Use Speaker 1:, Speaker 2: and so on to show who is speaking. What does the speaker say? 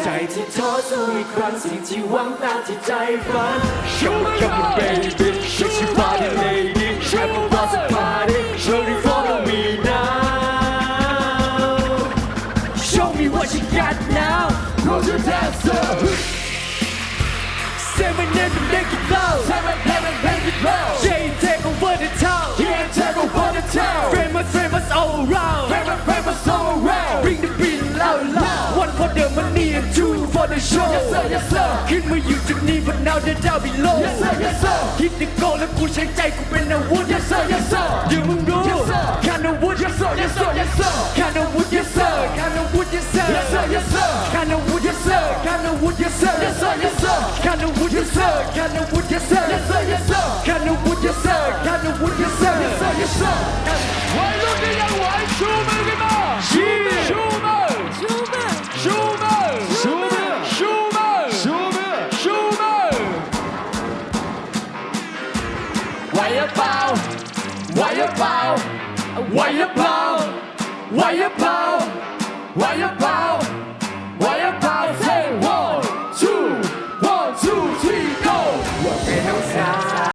Speaker 1: ใจที่ท้อสู้อีกครั้งสิ่งที่หวังตามที่ใจฝัน Show me come on baby shake your body lady everyone's a party surely follow me now Show me what you got now Close your dancer Seven and make it blow Seven and make it blow Jay take over the town Yeah take over the town Famous all around Famous all around Bring the beat loud One for the money and two for the show Yes sir yes sir ขึ้นมาอยู่จุดนี้ but now they're down below Yes sir yes sir คิดจะโกแล้วกูใช้ใจกูเป็นอาวุธ Yes sir yes sir เดี๋ยวมึงรู้ Yes sir แค่อาวุธ Yes sir yes sir yes sir แค่อาวุธ Yes sir แค่อาวุธ Yes sir Yes sir yes sir แค่อาวุธ Yes sir แค่อาวุธ Yes sir Yes sir yes sir แค่อาวุธ Yes sir แค่อาวุธ Yes sir Yes sir yes sir แค่อาวุธ Yes sir แค่อาวุธ Yes sir Yes sir yes sir
Speaker 2: วัยรุ่นที่ยังไหวชูมือขึ้นมาชูมือชูมือชูมือชูมือชูมือชูมือชูมือชูมือไหวหรือเปล่าไหวหรือเปล่าไหวหรือเปล่าไหวหรือเปล่าไหวหรือเปล่า